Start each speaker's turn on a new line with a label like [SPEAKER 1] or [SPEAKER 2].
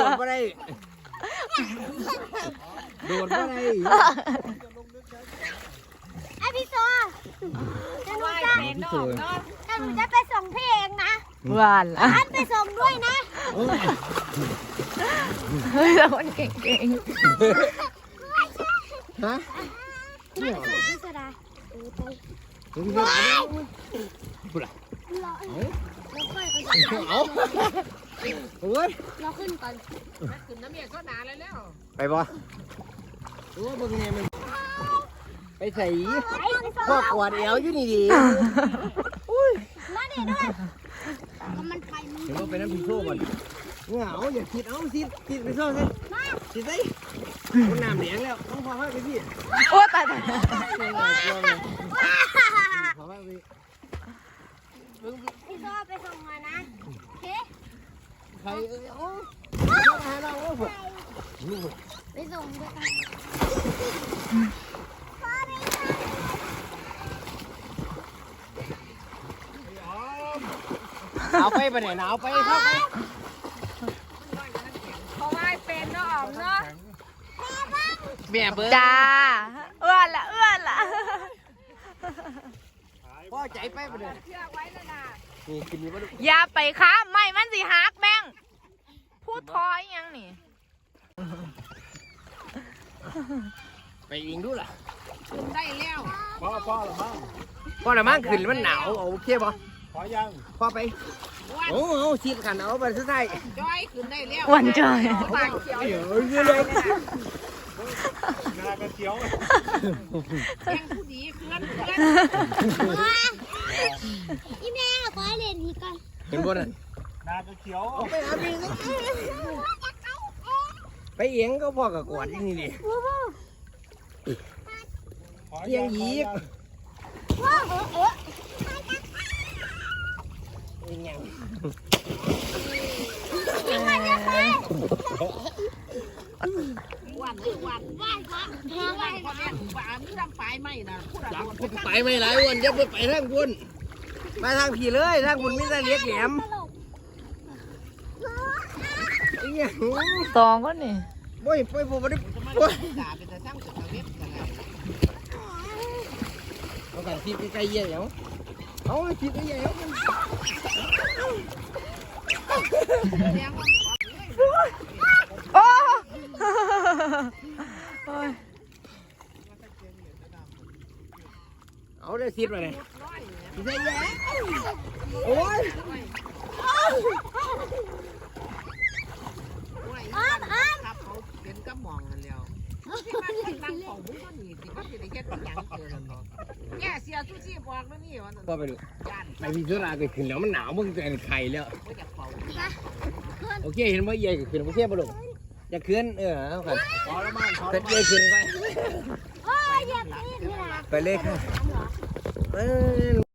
[SPEAKER 1] ดมาได้โดดมาได้
[SPEAKER 2] ไอพี่โซจะหนูจะไปส่งพี่เองนะ
[SPEAKER 3] หวานละ
[SPEAKER 2] อันไปส่งด้วยนะ
[SPEAKER 3] เฮ้ยเราคนเก่ง
[SPEAKER 1] ฮะ
[SPEAKER 2] พี่โซดาไป
[SPEAKER 1] ถึงจะไหนปุ๊บละ
[SPEAKER 2] รอค่อย
[SPEAKER 1] เอาโอ้ย
[SPEAKER 2] รอขึ้นก่อน
[SPEAKER 4] ขึ้นน้ำเมียก็หนาแล้ว
[SPEAKER 1] ไปบ่โอ้บึงเนี่ยมันไปใส่
[SPEAKER 2] ไป
[SPEAKER 1] พ่อกวาดเอวอยู่นี่ดิ
[SPEAKER 2] มาเด็ดด้วยก็มันไปมัน
[SPEAKER 1] เดี๋ยวเราไปน้ำพริกโซ่ก่อนเหงาอย่าคิดเอาคิดไปโซ่สิคิดสิคนน้ำเหลียงแล้วต้องพอให้ไปพี่
[SPEAKER 3] ๆโอ้ตาย
[SPEAKER 1] พอให้ไป
[SPEAKER 2] พี่โซไปส่งมานะโอเค
[SPEAKER 1] ใครโอ้มาให้เราโอ้โห
[SPEAKER 2] ไปส่งด้วยกัน
[SPEAKER 1] หนาวไปปะเนี่ยหนาวไปครับ
[SPEAKER 4] เพราะว่าเป็นเนาะอ๋อมเนาะ
[SPEAKER 1] แม่เบิ้ง
[SPEAKER 3] จ้าเอื้อนละ
[SPEAKER 1] พ่อใจไปปะเนี่ย
[SPEAKER 4] เชือกไว้แล้วนะ
[SPEAKER 1] นี่กินนี่ปะลูก
[SPEAKER 3] อย่าไปค้าไม่มันสิหักแบงพูดทอยยังนี่
[SPEAKER 1] ไปเองดูล่ะ
[SPEAKER 4] ได้แล้ว
[SPEAKER 1] พ่อละมั่งขึ้นมันหนาวโอเคป่ะพอยังพ่อไปโอ้โหชีดขันเอาไปสุดท้าย
[SPEAKER 4] จอยขึ้นได้แล้ว
[SPEAKER 3] วันจอย
[SPEAKER 4] ปากเขียว
[SPEAKER 1] เดี๋ยวเยอะเลย
[SPEAKER 4] แข่งผู้ดีเคลื่อน
[SPEAKER 2] อีแม่ขอให้เล่นอีกก่อน
[SPEAKER 1] เห็นบ่น่ะ
[SPEAKER 5] นาจะเขียว
[SPEAKER 1] ไปหาพี่ไปเองก็พ่อกับกวาดที่นี่ดิเอียงหยีบเอียงยัง
[SPEAKER 2] ยิงมันจะไป
[SPEAKER 4] วันแทงไว้พอแม่ป่ามีดำปลายไหมนะพูดอะไร
[SPEAKER 1] ไปไม่หลายวันจะไปทางบุญมาทางผีเลยทางบุญมีแต่เล็กแหลมเอียง
[SPEAKER 3] สองก็นี่
[SPEAKER 1] บ่อยไปบ่ได้
[SPEAKER 4] ด่าเป็นแต่สร้างสุขเว็บกันเลย
[SPEAKER 1] เอากันคิดใกล้ๆเยี่ยงเอาคิดใกล้ๆเอากัน
[SPEAKER 4] เลี้ยงว่า
[SPEAKER 3] โอ้โอ้ย
[SPEAKER 1] เอาได้คิดมาเลยคิดใกล้ๆโอ้ย
[SPEAKER 4] ครับเขาเป็นกระหม่อมกันแล้วที่มันเป็นบางของบุ้งก็หนีสิว่าสิได้เฮ็ดอย่างเกินเนาะแง่เสียซูซี่บอกแล้วนี่ว่า
[SPEAKER 1] พ่อไปดู
[SPEAKER 4] ย่าน
[SPEAKER 1] ไปพิจารณาขึ้นแล้วมันหนาวมึงจะไข่แล้ว
[SPEAKER 4] บ่อยากเป่า
[SPEAKER 1] โอเคเห็นว่าใหญ่ขึ้นโอเคป่ะลูกจะขึ้นเอาครับ
[SPEAKER 5] พอแล้วมั้งพอ
[SPEAKER 1] เสร็จใหญ่ขึ้นไป
[SPEAKER 2] โอ้ยอยากกินนี่นะ
[SPEAKER 1] ไปเลยค่ะ